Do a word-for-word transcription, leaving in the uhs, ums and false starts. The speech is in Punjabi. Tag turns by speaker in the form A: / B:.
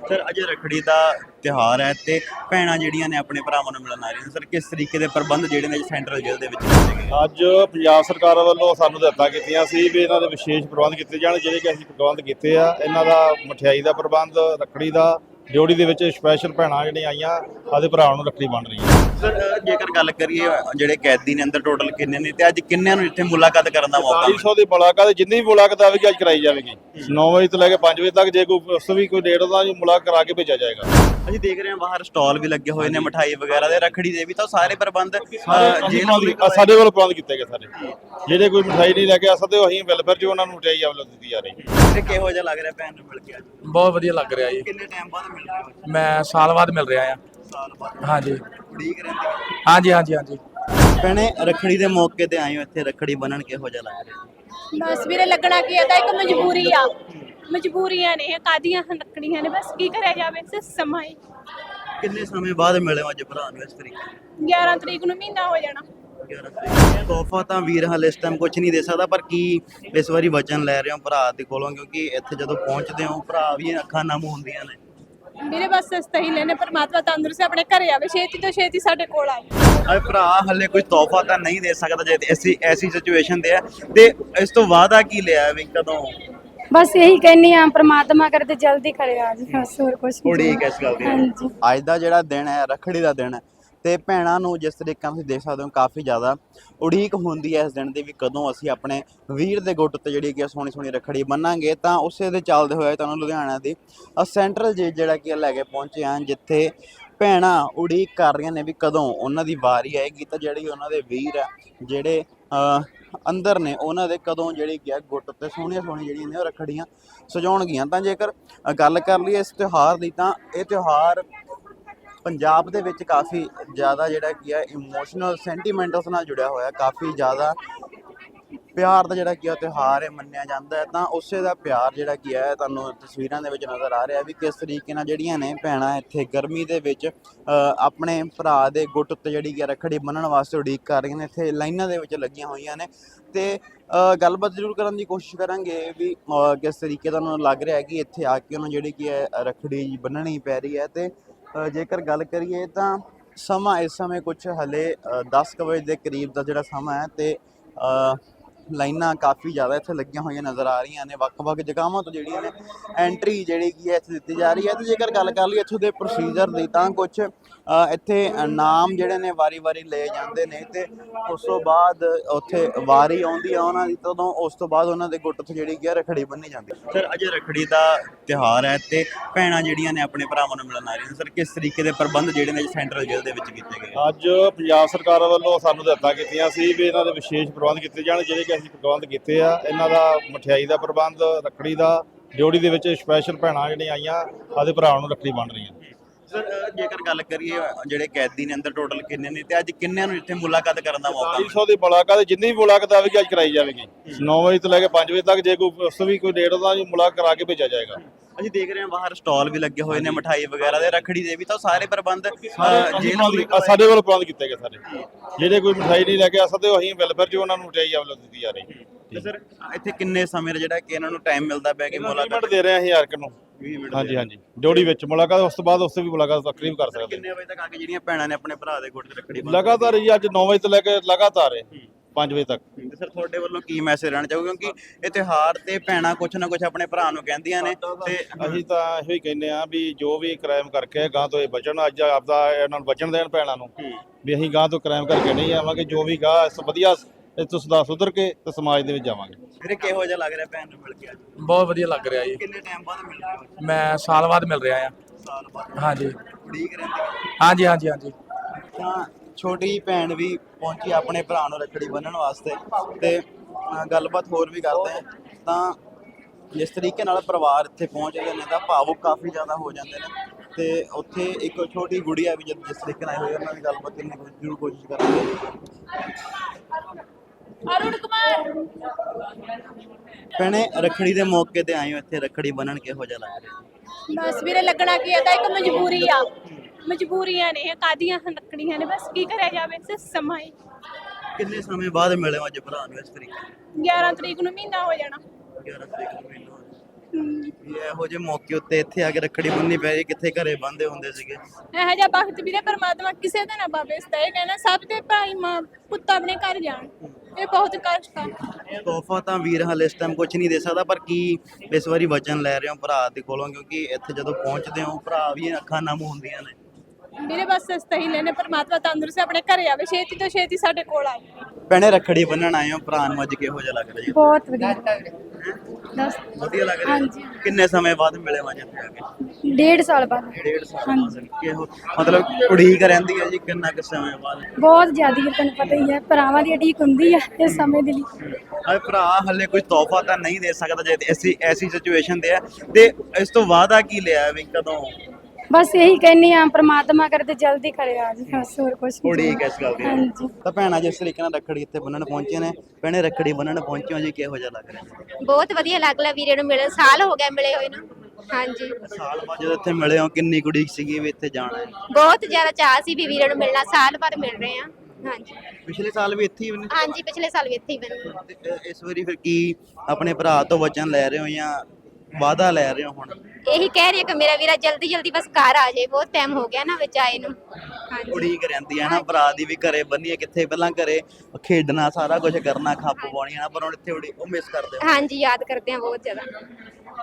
A: ਸਰ ਅੱਜ ਰੱਖੜੀ ਦਾ ਤਿਉਹਾਰ ਹੈ ਤੇ ਭੈਣਾਂ ਜਿਹੜੀਆਂ ਨੇ ਆਪਣੇ ਭਰਾਵਾਂ ਨੂੰ ਮਿਲਣ ਆ ਰਹੀਆਂ ਨੇ। ਸਰ ਕਿਸ ਤਰੀਕੇ ਦੇ ਪ੍ਰਬੰਧ ਜਿਹੜੇ ਨੇ ਸੈਂਟਰਲ ਜੇਲ੍ਹ ਦੇ ਵਿੱਚ ਕੀਤੇ ਗਏ?
B: ਅੱਜ ਪੰਜਾਬ ਸਰਕਾਰ ਵੱਲੋਂ ਸਾਨੂੰ ਹਦਾਇਤਾਂ ਕੀਤੀਆਂ ਸੀ ਵੀ ਇਹਨਾਂ ਦੇ ਵਿਸ਼ੇਸ਼ ਪ੍ਰਬੰਧ ਕੀਤੇ ਜਾਣ, ਜਿਹੜੇ ਕਿ ਅਸੀਂ ਪ੍ਰਬੰਧ ਕੀਤੇ ਆ। ਇਹਨਾਂ ਦਾ ਮਠਿਆਈ ਦਾ ਪ੍ਰਬੰਧ, ਰੱਖੜੀ ਦਾ, ਡਿਊਟੀ ਦੇ ਵਿੱਚ ਸਪੈਸ਼ਲ ਭੈਣਾਂ ਜਿਹੜੀਆਂ ਆਈਆਂ ਆਦੇ ਭਰਾਵਾਂ ਨੂੰ ਰੱਖੜੀ ਬੰਨ੍ਹ ਰਹੀਆਂ।
A: ਸਰ ਜੇਕਰ ਗੱਲ ਕਰੀਏ ਜਿਹੜੇ ਕੈਦੀ ਨੇ ਅੰਦਰ ਟੋਟਲ ਕਿੰਨੇ ਨੇ ਤੇ ਅੱਜ ਕਿੰਨਿਆਂ ਨੂੰ ਇੱਥੇ ਮੁਲਾਕਾਤ ਕਰਨ ਦਾ ਮੌਕਾ
B: ਚਾਲੀ ਸੌ ਦੀ ਮੁਲਾਕਾਤ, ਜਿੰਨੀ ਵੀ ਮੁਲਾਕਾਤ ਆਵੇਗੀ ਅੱਜ ਕਰਾਈ ਜਾਵੇਗੀ। ਨੌ ਵਜੇ ਤੋਂ ਲੈ ਕੇ ਪੰਜ ਵਜੇ ਤੱਕ, ਜੇ ਕੋਈ ਉਸ ਤੋਂ ਵੀ ਕੋਈ ਡੇਟ ਦਾ ਮੁਲਾਕਾਤ ਕਰਾ ਕੇ ਭੇਜਿਆ ਜਾਏਗਾ।
A: ਅਸੀਂ ਦੇਖ ਰਹੇ ਹਾਂ ਬਾਹਰ ਸਟਾਲ ਵੀ ਲੱਗੇ ਹੋਏ ਨੇ ਮਠਾਈ ਵਗੈਰਾ ਦੇ, ਰੱਖੜੀ ਦੇ ਵੀ, ਤਾਂ ਸਾਰੇ ਪ੍ਰਬੰਧ
B: ਸਾਰੇ
A: ਅ,
B: ਅਸੀਂ
A: ਜੇਲ੍ਹ ਨੂੰ
B: ਪ੍ਰਬੰਧ- ਸਾਡੇ ਵੱਲੋਂ ਪ੍ਰਬੰਧ ਕੀਤੇ ਗਏ ਸਾਰੇ। ਜਿਹੜੇ ਕੋਈ ਮਠਾਈ ਨਹੀਂ ਲੈ ਕੇ ਆ ਸਕਦੇ, ਉਹ ਅਸੀਂ ਵੈਲਫੇਅਰ 'ਚ ਉਹਨਾਂ ਨੂੰ ਮਠਿਆਈ ਵੱਲੋਂ ਦਿੱਤੀ ਜਾ ਰਹੀ ਹੈ।
A: ਤੇ ਕਿਹੋ ਜਿਹਾ ਲੱਗ ਰਿਹਾ ਭੈਣ ਨੂੰ ਮਿਲ ਕੇ ਅੱਜ?
C: ਬਹੁਤ ਵਧੀਆ ਲੱਗ ਰਿਹਾ ਜੀ।
A: ਕਿੰਨੇ ਟਾਈਮ ਬਾਅਦ ਮਿਲ ਰਹੇ ਹੋ?
C: ਮੈਂ ਸਾਲ ਬਾਅਦ ਮਿਲ ਰਿਹਾ ਆ।
A: ਸਾਲ ਬਾਅਦ
C: ਹਾਂਜੀ
A: ਉਡੀਕ ਰਹਿੰਦੀ ਹੈ।
C: ਹਾਂਜੀ ਹਾਂਜੀ ਹਾਂਜੀ
A: ਭੈਣੇ ਰੱਖੜੀ ਦੇ ਮੌਕੇ ਤੇ ਆਏ ਹੋ ਇੱਥੇ, ਰੱਖੜੀ ਬੰਨਣ ਕਿਹੋ ਜਿਹਾ ਲੱਗ ਰਿਹਾ?
D: ਬਸ ਵੀਰੇ ਲੱਗਣਾ ਕੀ ਹੈ ਤਾਂ ਇੱਕ ਮਜਬੂਰੀ ਆ, ਮਜਬੂਰੀਆਂ ਨੇ ਕਾਦੀਆਂ ਰੱਖਣੀਆਂ ਨੇ, ਬਸ ਕੀ ਕਰਿਆ ਜਾਵੇ ਇਸ ਸਮਾਂ ਹੀ।
A: ਕਿੰਨੇ ਸਮੇਂ ਬਾਅਦ ਮਿਲੇ ਹੋ ਅੱਜ ਭਰਾ ਨੂੰ ਇਸ ਤਰੀਕੇ?
D: ਗਿਆਰਾਂ ਤਰੀਕ ਨੂੰ ਮਹੀਨਾ ਹੋ ਜਾਣਾ।
A: ਗਿਆਰਾਂ ਤਰੀਕ। ਤੋਹਫਾ ਤਾਂ ਵੀਰ ਹਾਲੇ ਇਸ ਟਾਈਮ ਕੁਝ ਨਹੀਂ ਦੇ ਸਕਦਾ, ਪਰ ਕੀ ਇਸ ਵਾਰੀ ਵਚਨ ਲੈ ਰਹੇ ਹੋ ਭਰਾ ਦੇ ਕੋਲੋਂ? ਕਿਉਂਕਿ ਇੱਥੇ ਜਦੋਂ ਪਹੁੰਚਦੇ ਹੋ ਭਰਾ ਵੀ ਅੱਖਾਂ ਨਮ ਹੁੰਦੀਆਂ ਨੇ।
D: ਵੀਰੇ ਬਸ ਸਸਤਾ ਹੀ ਲੈਣੇ, ਪਰਮਾਤਮਾ ਤੰਦਰੁਸਤ ਆਪਣੇ ਘਰੇ ਆਵੇ, ਛੇਤੀ ਤੋਂ ਛੇਤੀ ਸਾਡੇ ਕੋਲ ਆਵੇ।
A: ਅਰੇ ਭਰਾ ਹਲੇ ਕੋਈ ਤੋਹਫਾ ਤਾਂ ਨਹੀਂ ਦੇ ਸਕਦਾ ਜੇ ਐਸੀ ਐਸੀ ਸਿਚੁਏਸ਼ਨ ਤੇ ਹੈ, ਤੇ ਇਸ ਤੋਂ ਵਾਅਦਾ ਕੀ ਲਿਆ ਵੀ ਕਦੋਂ?
E: ਬਸ यही कहनी है, परमात्मा करे तो जल्दी करे आज, बस और कुछ नहीं।
A: ਉਡੀਕ ਇਸ ਗੱਲ ਦੀ।
E: ਹਾਂਜੀ।
A: ਅੱਜ ਦਾ ਜਿਹੜਾ ਦਿਨ ਹੈ ਰੱਖੜੀ ਦਾ ਦਿਨ ਹੈ, ਤੇ ਭੈਣਾਂ ਨੂੰ ਜਿਸ ਤਰੀਕੇ ਨਾਲ ਤੁਸੀਂ ਦੇਖ ਸਕਦੇ ਹੋ ਕਾਫੀ ਜ਼ਿਆਦਾ ਉਡੀਕ ਹੁੰਦੀ ਹੈ ਇਸ ਦਿਨ ਦੀ ਵੀ ਕਦੋਂ ਅਸੀਂ ਆਪਣੇ ਵੀਰ ਦੇ ਗੁੱਟ ਤੇ ਜਿਹੜੀ ਕਿ ਸੋਹਣੀ ਸੋਹਣੀ ਰੱਖੜੀ ਬੰਨਾਂਗੇ। ਤਾਂ ਉਸੇ ਦੇ ਚੱਲਦੇ ਹੋਏ ਤੁਹਾਨੂੰ ਲੁਧਿਆਣਾ ਦੀ ਸੈਂਟਰਲ ਜੇਲ੍ਹ ਜਿਹੜਾ ਕਿ ਲੈ ਕੇ ਪਹੁੰਚੇ ਹਨ, ਜਿੱਥੇ ਭੈਣਾਂ ਉਡੀਕ ਕਰ ਰਹੀਆਂ ਨੇ ਵੀ ਕਦੋਂ ਉਹਨਾਂ ਦੀ ਵਾਰੀ ਆਏਗੀ, ਤਾਂ ਜਿਹੜੀ ਉਹਨਾਂ ਦੇ ਵੀਰ ਆ ਜਿਹੜੇ ਅ, ਅੰਦਰ ਨੇ ਉਹਨਾਂ ਦੇ ਕਦੋਂ ਜਿਹੜੀ ਕਿ ਗੁੱਟ ਤੇ ਸੋਹਣੀਆਂ ਸੋਹਣੀਆਂ ਜਿਹੜੀਆਂ ਨੇ ਉਹ ਰੱਖੜੀਆਂ ਸਜਾਉਣਗੀਆਂ। ਤਾਂ ਜੇਕਰ ਗੱਲ ਕਰ ਲਈਏ ਇਸ ਤਿਉਹਾਰ ਦੀ, ਤਾਂ ਇਹ ਤਿਉਹਾਰ ਪੰਜਾਬ ਦੇ ਵਿੱਚ ਕਾਫੀ ਜ਼ਿਆਦਾ ਜਿਹੜਾ ਕੀ ਹੈ ਇਮੋਸ਼ਨਲ ਸੈਂਟੀਮੈਂਟਸ ਨਾਲ ਜੁੜਿਆ ਹੋਇਆ, ਕਾਫੀ ਜ਼ਿਆਦਾ ਪਿਆਰ ਦਾ ਜਿਹੜਾ ਕੀ ਹੈ ਤਿਉਹਾਰ ਹੈ ਮੰਨਿਆ ਜਾਂਦਾ ਹੈ। ਤਾਂ ਉਸੇ ਦਾ ਪਿਆਰ ਜਿਹੜਾ ਕੀ ਹੈ ਤੁਹਾਨੂੰ ਤਸਵੀਰਾਂ ਦੇ ਵਿੱਚ ਨਜ਼ਰ ਆ ਰਿਹਾ ਵੀ ਕਿਸ ਤਰੀਕੇ ਨਾਲ ਜਿਹੜੀਆਂ ਨੇ ਭੈਣਾਂ ਇੱਥੇ ਗਰਮੀ ਦੇ ਵਿੱਚ ਅ, ਆਪਣੇ ਭਰਾ ਦੇ ਗੁੱਟ ਉੱਤੇ ਜਿਹੜੀ ਕਿ ਰੱਖੜੀ ਬੰਨ੍ਹਣ ਵਾਸਤੇ ਉਡੀਕ ਕਰ ਰਹੀਆਂ ਨੇ, ਇੱਥੇ ਲਾਈਨਾਂ ਦੇ ਵਿੱਚ ਲੱਗੀਆਂ ਹੋਈਆਂ ਨੇ। ਤੇ ਅ, ਗੱਲਬਾਤ ਜ਼ਰੂਰ ਕਰਨ ਦੀ ਕੋਸ਼ਿਸ਼ ਕਰਾਂਗੇ ਵੀ ਅ, ਕਿਸ ਤਰੀਕੇ ਦਾ ਉਹਨਾਂ ਨੂੰ ਲੱਗ ਰਿਹਾ ਹੈ ਕਿ ਇੱਥੇ ਆ ਕੇ ਉਹਨੂੰ ਜਿਹੜੀ ਕੀ ਹੈ ਰੱਖੜੀ ਬੰਨ੍ਹਣੀ ਪੈ ਰਹੀ ਹੈ। ਤੇ ਅ, ਜੇਕਰ ਗੱਲ ਕਰੀਏ ਤਾਂ ਸਮਾਂ ਇਸ ਸਮੇਂ ਕੁਛ ਹਲੇ ਦਸ ਕੁ ਵਜੇ ਦੇ ਕਰੀਬ ਦਾ ਜਿਹੜਾ ਸਮਾਂ ਹੈ, ਤੇ ਅ, ਲਾਈਨਾਂ ਕਾਫੀ ਜ਼ਿਆਦਾ ਇੱਥੇ ਲੱਗੀਆਂ ਹੋਈਆਂ ਨਜ਼ਰ ਆ ਰਹੀਆਂ ਨੇ। ਵੱਖ-ਵੱਖ ਜਗ੍ਹਾਵਾਂ ਤੋਂ ਜਿਹੜੀਆਂ ਨੇ ਐਂਟਰੀ ਜਿਹੜੀ ਕੀ ਹੈ ਇੱਥੇ ਦਿੱਤੀ ਜਾ ਰਹੀ ਹੈ। ਤੇ ਜੇਕਰ ਗੱਲ ਕਰ ਲਈਏ ਇੱਥੋਂ ਦੇ ਪ੍ਰੋਸੀਜਰ ਦੀ, ਤਾਂ ਕੁਛ ਅ, ਇੱਥੇ ਨਾਮ ਜਿਹੜੇ ਨੇ ਵਾਰੀ-ਵਾਰੀ ਲਏ ਜਾਂਦੇ ਨੇ, ਤੇ ਉਸ ਤੋਂ ਬਾਅਦ ਉੱਥੇ ਵਾਰੀ ਆਉਂਦੀ ਆ ਉਹਨਾਂ ਦੀ, ਤਦੋਂ ਉਸ ਤੋਂ ਬਾਅਦ ਉਹਨਾਂ ਦੇ ਗੁੱਟ ਤੋਂ ਜਿਹੜੀ ਕੀ ਹੈ ਰੱਖੜੀ ਬੰਨ੍ਹੀ ਜਾਂਦੀ ਹੈ। ਸਰ ਅੱਜ ਰੱਖੜੀ ਦਾ ਤਿਉਹਾਰ ਹੈ ਤੇ ਭੈਣਾਂ ਜਿਹੜੀਆਂ ਨੇ ਆਪਣੇ ਭਰਾਵਾਂ ਨੂੰ ਮਿਲਣ ਆ ਰਹੀਆਂ ਨੇ। ਸਰ ਕਿਸ ਤਰੀਕੇ ਦੇ ਪ੍ਰਬੰਧ ਜਿਹੜੇ ਨੇ ਸੈਂਟਰਲ ਜੇਲ੍ਹ ਦੇ ਵਿੱਚ ਕੀਤੇ ਗਏ?
B: ਅੱਜ ਪੰਜਾਬ ਸਰਕਾਰ ਵੱਲੋਂ ਸਾਨੂੰ ਹਦਾਇਤਾਂ ਕੀਤੀਆਂ ਸੀ ਵੀ ਇਹਨਾਂ ਦੇ ਵਿਸ਼ੇਸ਼ ਪ੍ਰਬੰਧ ਕੀਤੇ ਜਾਣ, ਜਿਹੜੇ ਕਿ ਅਸੀਂ ਪ੍ਰਬੰਧ ਕੀਤੇ ਆ। ਇਹਨਾਂ ਦਾ ਮਠਿਆਈ ਦਾ ਪ੍ਰਬੰਧ, ਰੱਖੜੀ ਦਾ, ਡਿਊਟੀ ਦੇ ਵਿੱਚ ਸਪੈਸ਼ਲ ਭੈਣਾਂ ਜਿਹੜੀਆਂ ਆਈਆਂ ਆਦੇ ਭਰਾਵਾਂ ਨੂੰ ਰੱਖੜੀ ਬੰਨ੍ਹ ਰਹੀਆਂ।
A: ਸਰ ਜੇਕਰ ਗੱਲ ਕਰੀਏ ਜਿਹੜੇ ਕੈਦੀ ਨੇ ਅੰਦਰ ਟੋਟਲ ਕਿੰਨੇ ਨੇ ਤੇ ਅੱਜ ਕਿੰਨਿਆਂ ਨੂੰ ਇੱਥੇ ਮੁਲਾਕਾਤ ਕਰਨ ਦਾ ਮੌਕਾ
B: ਚਾਲੀ ਸੌ ਦੀ ਮੁਲਾਕਾਤ, ਜਿੰਨੀ ਵੀ ਮੁਲਾਕਾਤ ਆਵੇਗੀ ਅੱਜ ਕਰਾਈ ਜਾਵੇਗੀ। ਨੌ ਵਜੇ ਤੋਂ ਲੈ ਕੇ ਪੰਜ ਵਜੇ ਤੱਕ, ਜੇ ਕੋਈ ਉਸ ਤੋਂ ਵੀ ਕੋਈ ਡੇਟ ਦਾ ਮੁਲਾਕਾਤ ਕਰਾ ਕੇ ਭੇਜਿਆ ਜਾਏਗਾ।
A: ਅਸੀਂ ਦੇਖ ਰਹੇ ਹਾਂ ਬਾਹਰ ਸਟਾਲ ਵੀ ਲੱਗੇ ਹੋਏ ਨੇ ਮਠਾਈ ਵਗੈਰਾ ਦੇ, ਰੱਖੜੀ ਦੇ ਵੀ, ਤਾਂ ਸਾਰੇ ਪ੍ਰਬੰਧ ਅ,
B: ਅਸੀਂ
A: ਜੇਲ੍ਹ ਨੂੰ
B: ਪ੍ਰਬੰਧ- ਸਾਡੇ ਵੱਲੋਂ ਪ੍ਰਬੰਧ ਕੀਤੇ ਗਏ ਸਾਰੇ। ਜਿਹੜੇ ਕੋਈ ਮਠਾਈ ਨਹੀਂ ਲੈ ਕੇ ਆ ਸਕਦੇ, ਉਹ ਅਸੀਂ ਵੈਲਫੇਅਰ 'ਚ ਉਹਨਾਂ ਨੂੰ ਮਠਿਆਈ ਵੱਲੋਂ ਦਿੱਤੀ ਜਾ ਰਹੀ ਹੈ।
A: ਤੇ ਸਰ ਇੱਥੇ ਕਿੰਨੇ ਸਮੇਂ ਦਾ ਜਿਹੜਾ ਕਿ ਇਹਨਾਂ ਨੂੰ ਟਾਈਮ ਮਿਲਦਾ ਪਿਆ ਕਿ
B: ਮੁਲਾਕਾਤ
A: ਮੁਲਾਕਾਤ?
B: ਦੇ ਰਹੇ ਅਸੀਂ ਹਰ ਇੱਕ ਨੂੰ।
A: ਵੀਹ ਮਿੰਟ
B: ਹਾਂਜੀ ਹਾਂਜੀ, ਡਿਊਟੀ ਵਿੱਚ ਮੁਲਾਕਾਤ, ਉਸ ਤੋਂ ਬਾਅਦ ਉਸ ਤੋਂ ਵੀ ਮੁਲਾਕਾਤ ਤਕਰੀਬ ਕਰ ਸਕਦੇ।
A: ਕਿੰਨੇ ਵਜੇ ਤੱਕ ਆ ਕੇ ਜਿਹੜੀਆਂ ਭੈਣਾਂ ਨੇ ਆਪਣੇ ਭਰਾ ਦੇ ਗੁੱਟ ਤੇ ਰੱਖੜੀ ਬੰਨ੍ਹਣੀ?
B: ਲਗਾਤਾਰ ਜੀ ਅੱਜ ਨੌ ਵਜੇ ਤੋਂ ਲੈ ਕੇ ਲਗਾਤਾਰ ਪੰਜ ਵਜੇ ਤੱਕ।
A: ਤੇ ਸਰ ਤੁਹਾਡੇ ਵੱਲੋਂ ਕੀ ਮੈਸੇਜ ਰਹਿਣਾ ਚਾਹੋਗੇ? ਕਿਉਂਕਿ ਇਹ ਤਿਉਹਾਰ ਤੇ ਭੈਣਾਂ ਕੁਛ ਨਾ ਕੁਛ ਆਪਣੇ ਭਰਾ ਨੂੰ ਕਹਿੰਦੀਆਂ ਨੇ, ਤੇ
B: ਅਸੀਂ ਤਾਂ ਇਹੋ ਹੀ ਕਹਿੰਦੇ ਆ ਵੀ ਜੋ ਵੀ ਕ੍ਰਾਈਮ ਕਰਕੇ ਗਾਂ ਤੋਂ ਇਹ ਬਚਣ, ਅੱਜ ਆਪਦਾ ਇਹਨਾਂ ਨੂੰ ਬਚਣ ਦੇਣ ਭੈਣਾਂ ਨੂੰ, ਵੀ ਅਸੀਂ ਗਾਂ ਤੋਂ ਕ੍ਰਾਈਮ ਕਰਕੇ ਨਹੀਂ ਆਵਾਂਗੇ। ਜੋ ਵੀ ਗਾਂ ਇਸ ਵਧੀਆ ਇਸ ਤੋਂ ਸੁਧਾਰ ਸੁਧਰ ਕੇ ਤੇ ਸਮਾਜ ਦੇ ਵਿੱਚ ਜਾਵਾਂਗੇ।
A: ਵੀਰੇ ਕਿਹੋ ਜਿਹਾ ਲੱਗ ਰਿਹਾ ਭੈਣ ਨੂੰ ਮਿਲ ਕੇ ਅੱਜ?
C: ਬਹੁਤ ਵਧੀਆ ਲੱਗ ਰਿਹਾ ਜੀ।
A: ਕਿੰਨੇ ਟਾਈਮ ਬਾਅਦ ਮਿਲ ਰਹੇ ਹੋ?
C: ਮੈਂ ਸਾਲ ਬਾਅਦ ਮਿਲ ਰਿਹਾ ਆ।
A: ਸਾਲ ਬਾਅਦ
C: ਹਾਂਜੀ
A: ਉਡੀਕ ਰਹਿੰਦੀ ਹੈ।
C: ਹਾਂਜੀ ਹਾਂਜੀ ਹਾਂਜੀ
A: ਤਾਂ ਛੋਟੀ ਭੈਣ ਵੀ ਪਹੁੰਚੀ ਆਪਣੇ ਭਰਾ ਨੂੰ ਰੱਖੜੀ ਬੰਨ੍ਹਣ ਵਾਸਤੇ, ਤੇ ਅ, ਗੱਲਬਾਤ ਹੋਰ ਵੀ ਕਰਦੇ ਹਾਂ। ਤਾਂ ਜਿਸ ਤਰੀਕੇ ਨਾਲ ਪਰਿਵਾਰ ਇੱਥੇ ਪਹੁੰਚਦੇ ਨੇ ਤਾਂ ਭਾਵੁਕ ਕਾਫੀ ਜ਼ਿਆਦਾ ਹੋ ਜਾਂਦੇ ਨੇ। ਤੇ ਉੱਥੇ ਇੱਕ ਛੋਟੀ ਗੁੜੀਆ ਵੀ ਜਦ ਜਿਸ ਤਰੀਕੇ ਨਾਲ ਹੋਈ, ਉਹਨਾਂ ਦੀ ਗੱਲਬਾਤ ਕਰਨ ਦੀ ਜ਼ਰੂਰ ਕੋਸ਼ਿਸ਼ ਕਰਾਂਗੇ।
D: ਅਰੁਣ ਕੁਮਾਰ
A: ਭੈਣੇ ਰੱਖੜੀ ਦੇ ਮੌਕੇ ਤੇ ਆਏ ਹੋ ਇੱਥੇ, ਰੱਖੜੀ ਬੰਨ੍ਹਣ ਕਿਹੋ ਜਿਹਾ ਲੱਗ ਰਿਹਾ?
D: ਬਸ ਵੀਰੇ ਲੱਗਣਾ ਕੀ ਹੈ ਤਾਂ ਇੱਕ ਮਜਬੂਰੀ ਆ, ਮਜਬੂਰੀਆਂ ਨੇ ਕਾਦੀਆਂ ਰੱਖਣੀਆਂ ਨੇ, ਬਸ ਕੀ ਕਰਿਆ ਜਾਵੇ ਇਸ ਸਮਾਂ ਹੀ।
A: ਕਿੰਨੇ ਸਮੇਂ ਬਾਅਦ ਮਿਲੇ ਹੋ ਅੱਜ ਭਰਾ ਨੂੰ ਇਸ ਤਰੀਕੇ?
D: ਗਿਆਰਾਂ ਤਰੀਕ ਨੂੰ ਮਹੀਨਾ ਹੋ ਜਾਣਾ।
A: ਗਿਆਰਾਂ ਤਰੀਕ ਨੂੰ ਮਿਲੇ ਹੋ। ਵੀ ਇਹੋ ਜਿਹੇ ਮੌਕੇ ਉੱਤੇ ਇੱਥੇ ਆ ਕੇ ਰੱਖੜੀ ਬੰਨ੍ਹਣੀ ਪੈ ਰਹੀ, ਕਿੱਥੇ ਘਰੇ ਬੰਨ੍ਹਦੇ ਹੁੰਦੇ ਸੀਗੇ।
D: ਇਹੋ ਜਿਹਾ ਵਕਤ ਵੀਰੇ ਪਰਮਾਤਮਾ ਕਿਸੇ ਦਾ ਨਾ ਪਾਵੇ। ਇਸ ਇਹ ਕਹਿਣਾ ਸਭ ਦੇ ਭਾਈ ਮਾਂ ਪੁੱਤ ਆਪਣੇ ਘਰ ਜਾਣ, ਇਹ ਬਹੁਤ ਕਸ਼ਟ ਆ।
A: ਤੋਹਫਾ ਤਾਂ ਵੀਰ ਹਾਲੇ ਇਸ ਟਾਈਮ ਕੁਝ ਨਹੀਂ ਦੇ ਸਕਦਾ, ਪਰ ਕੀ ਇਸ ਵਾਰੀ ਵਚਨ ਲੈ ਰਹੇ ਹੋ ਭਰਾ ਦੇ ਕੋਲੋਂ, ਕਿਉਂਕਿ ਇੱਥੇ ਜਦੋਂ ਪਹੁੰਚਦੇ ਹੋ ਭਰਾ ਵੀ ਅੱਖਾਂ ਨਮ ਹੁੰਦੀਆਂ ਨੇ।
D: ਵੀਰੇ ਬਸ ਸਸਤਾ ਹੀ ਲੈਣੇ, ਪਰਮਾਤਮਾ ਤੰਦਰੁਸਤ ਆਪਣੇ ਘਰੇ ਆਵੇ, ਛੇਤੀ ਤੋਂ ਛੇਤੀ ਸਾਡੇ ਕੋਲ ਆਵੇ।
A: ਭੈਣੇ ਰੱਖੜੀ ਬੰਨਣ ਆਏ ਹੋ ਭਰਾ ਨੂੰ, ਅੱਜ ਕਿਹੋ ਜਿਹਾ ਲੱਗ ਰਿਹਾ ਜੀ?
E: ਬਹੁਤ ਵਧੀਆ। ਦੱਸ
A: ਵਧੀਆ ਲੱਗ ਰਿਹਾ।
E: ਹਾਂਜੀ।
A: ਕਿੰਨੇ ਸਮੇਂ ਬਾਅਦ ਮਿਲੇ ਵਾਂ ਇੱਥੇ ਆ ਕੇ?
E: ਡੇਢ ਸਾਲ ਬਾਅਦ।
A: ਡੇਢ ਸਾਲ ਬਾਅਦ। ਕਿਹੋ ਮਤਲਬ ਉਡੀਕ ਰਹਿੰਦੀ ਹੈ ਜੀ ਕਿੰਨਾ ਕੁ ਸਮੇਂ ਬਾਅਦ?
E: ਬਹੁਤ ਜ਼ਿਆਦਾ, ਤੈਨੂੰ ਪਤਾ ਹੀ ਹੈ ਭਰਾਵਾਂ ਦੀ ਉਡੀਕ ਹੁੰਦੀ ਆ ਇਸ ਸਮੇਂ ਦੇ ਲਈ।
A: ਅਰੇ ਭਰਾ ਹਲੇ ਕੋਈ ਤੋਹਫਾ ਤਾਂ ਨਹੀਂ ਦੇ ਸਕਦਾ ਜੇ ਐਸੀ ਐਸੀ ਸਿਚੁਏਸ਼ਨ ਤੇ ਹੈ, ਤੇ ਇਸ ਤੋਂ ਵਾਅਦਾ ਕੀ ਲਿਆ ਵੀ ਕਦੋਂ?
E: ਬਸ ਇਹੀ ਕਹਿੰਨੀ ਆ ਪ੍ਰਮਾਤਮਾ ਕਰਦੇ ਜਲਦੀ ਕਰੇ ਆ ਜੀ, ਬਸ ਹੋਰ ਕੁਝ ਨਹੀਂ।
A: ਉਡੀਕ ਇਸ ਗੱਲ ਦੀ।
E: ਹਾਂਜੀ।
A: ਤਾਂ ਭੈਣਾਂ ਜਿਸ ਤਰੀਕੇ ਨਾਲ ਰੱਖੜੀ ਇੱਥੇ ਬੰਨਣ ਪਹੁੰਚੇ ਨੇ, ਭੈਣੇ ਰੱਖੜੀ ਬੰਨਣ ਪਹੁੰਚੇ ਹੋ ਜੀ, ਕਿਹੋ ਜਿਹਾ ਲੱਗ ਰਿਹਾ?
F: ਬਹੁਤ ਵਧੀਆ ਲੱਗ ਰਿਹਾ ਵੀਰੇ ਨੂੰ ਮਿਲਣ, ਸਾਲ ਹੋ ਗਿਆ ਮਿਲੇ ਹੋਏ ਨੂੰ। ਹਾਂਜੀ
A: ਸਾਲ ਬਾਅਦ ਜਦੋਂ ਇੱਥੇ ਮਿਲੇ ਹੋ ਕਿੰਨੀ ਕੁ ਉਡੀਕ ਸੀਗੀ ਵੀ ਇੱਥੇ ਜਾਣਾ ਹੈ?
F: ਬਹੁਤ ਜ਼ਿਆਦਾ ਚਾਅ ਸੀ ਵੀ ਵੀਰੇ ਨੂੰ ਮਿਲਣਾ, ਸਾਲ ਬਾਅਦ ਮਿਲ ਰਹੇ ਆ। ਹਾਂਜੀ
A: ਪਿਛਲੇ ਸਾਲ ਵੀ ਇੱਥੇ ਹੀ ਬਣੇ?
F: ਹਾਂਜੀ ਪਿਛਲੇ ਸਾਲ ਵੀ ਇੱਥੇ ਹੀ ਬਣੇ।
A: ਤੇ ਇਸ ਵਾਰੀ ਫਿਰ ਕੀ ਆਪਣੇ ਭਰਾ ਤੋਂ ਵਚਨ ਲੈ ਰਹੇ ਹੋ ਜਾਂ ਵਾਅਦਾ ਲੈ ਰਹੇ ਹੋ ਹੁਣ?
F: ਇਹੀ ਕਹਿ ਰਹੀ ਹੈ ਕਿ ਮੇਰਾ ਵੀਰਾ ਜਲਦੀ ਜਲਦੀ ਬਸ ਘਰ ਆ ਜਾਏ, ਬਹੁਤ ਟਾਈਮ ਹੋ ਗਿਆ ਨਾ ਵਿੱਚ ਆਏ ਨੂੰ। ਹਾਂਜੀ
A: ਉਡੀਕ ਰਹਿੰਦੀ ਹੈ ਨਾ ਭਰਾ ਦੀ ਵੀ, ਘਰੇ ਬੰਨੀਏ ਕਿੱਥੇ, ਪਹਿਲਾਂ ਘਰੇ ਖੇਡਣਾ ਸਾਰਾ ਕੁਝ ਕਰਨਾ, ਖੱਪ ਪਾਉਣੀ ਨਾ, ਪਰ ਹੁਣ ਇੱਥੇ ਉਡੀਕ ਉਹ ਮਿਸ ਕਰਦੇ ਹੋ।
F: ਹਾਂਜੀ ਯਾਦ ਕਰਦੇ ਆ ਬਹੁਤ ਜ਼ਿਆਦਾ।